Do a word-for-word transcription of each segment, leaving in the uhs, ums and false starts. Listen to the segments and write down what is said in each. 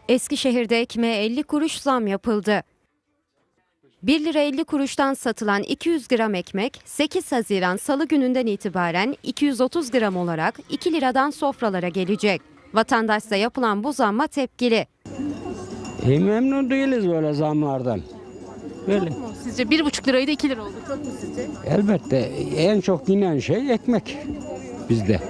Eskişehir'de ekmeğe elli kuruş zam yapıldı. bir lira elli kuruştan satılan iki yüz gram ekmek sekiz Haziran Salı gününden itibaren iki yüz otuz gram olarak iki liradan sofralara gelecek. Vatandaşsa yapılan bu zamma tepkili. E, memnun değiliz böyle zamlardan. Böyle. Çok mu? Sizce bir buçuk liraydı iki lira oldu. Çok mu sizce? Elbette en çok yenen şey ekmek bizde.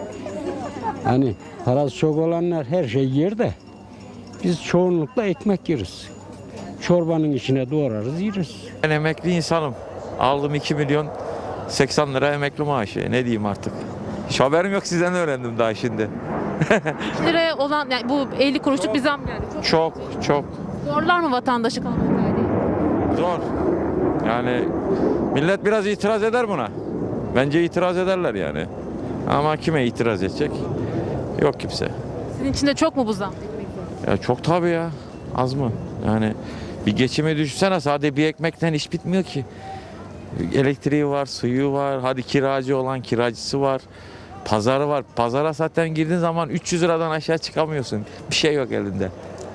Hani parası çok olanlar her şey yer de biz çoğunlukla ekmek yeriz. Çorbanın içine doğrarız yeriz. Ben emekli insanım. Aldım iki milyon seksen lira emekli maaşı. Ne diyeyim artık. Hiç haberim yok, sizden öğrendim daha şimdi. iki liraya olan yani bu elli kuruşluk bir zam geldi. Çok, Çok çok zorlar mı vatandaşı kalabalık aileyi? zor. Yani millet biraz itiraz eder buna. Bence itiraz ederler yani. Ama kime itiraz edecek? Yok kimse. Sizin için de çok mu bu zam? Ya çok tabii ya. Az mı? Yani bir geçimi düşünsene, sadece bir ekmekten iş bitmiyor ki. Elektriği var, suyu var, hadi kiracı olan kiracısı var. Pazarı var. Pazara zaten girdiğin zaman üç yüz liradan aşağı çıkamıyorsun. Bir şey yok elinde.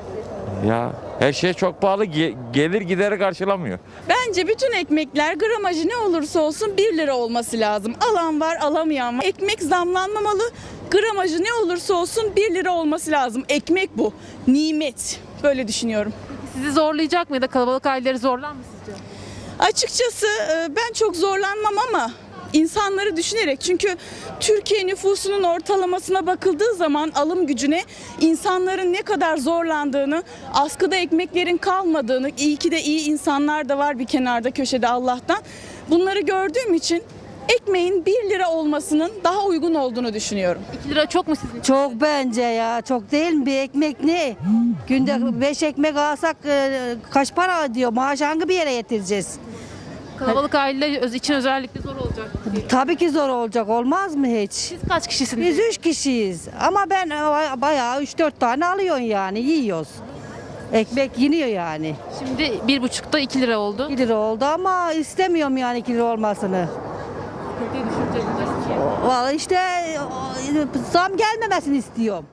Ya her şey çok pahalı. Ge- gelir gideri karşılamıyor. Bence bütün ekmekler gramajı ne olursa olsun bir lira olması lazım. Alan var, alamayan var. Ekmek zamlanmamalı. Gramajı ne olursa olsun bir lira olması lazım. Ekmek bu. Nimet. Böyle düşünüyorum. Sizi zorlayacak mı ya da kalabalık aileleri zorlar mı sizce? Açıkçası e, ben çok zorlanmam ama insanları düşünerek, çünkü Türkiye nüfusunun ortalamasına bakıldığı zaman alım gücüne insanların ne kadar zorlandığını, askıda ekmeklerin kalmadığını, iyi ki de iyi insanlar da var bir kenarda köşede Allah'tan. Bunları gördüğüm için ekmeğin bir lira olmasının daha uygun olduğunu düşünüyorum. iki lira çok mu sizin için? Çok bence ya. Çok değil mi? Bir ekmek ne? Günde beş ekmek alsak e, kaç para ödüyor? Maaş hangi bir yere yetireceğiz? Kalabalık aileler öz- için özellikle zor olacak. Tabii ki zor olacak. Olmaz mı hiç? Siz kaç kişisiniz? Biz üç kişiyiz. Ama ben e, bayağı üç dört tane alıyorsun yani. Yiyoruz. Ekmek yeniyor yani. Şimdi bir buçukta iki lira oldu. iki lira oldu ama istemiyorum yani iki lira olmasını. Sıkıntıyı düşüreceğiz. Vallahi işte e, zam gelmemesini istiyorum.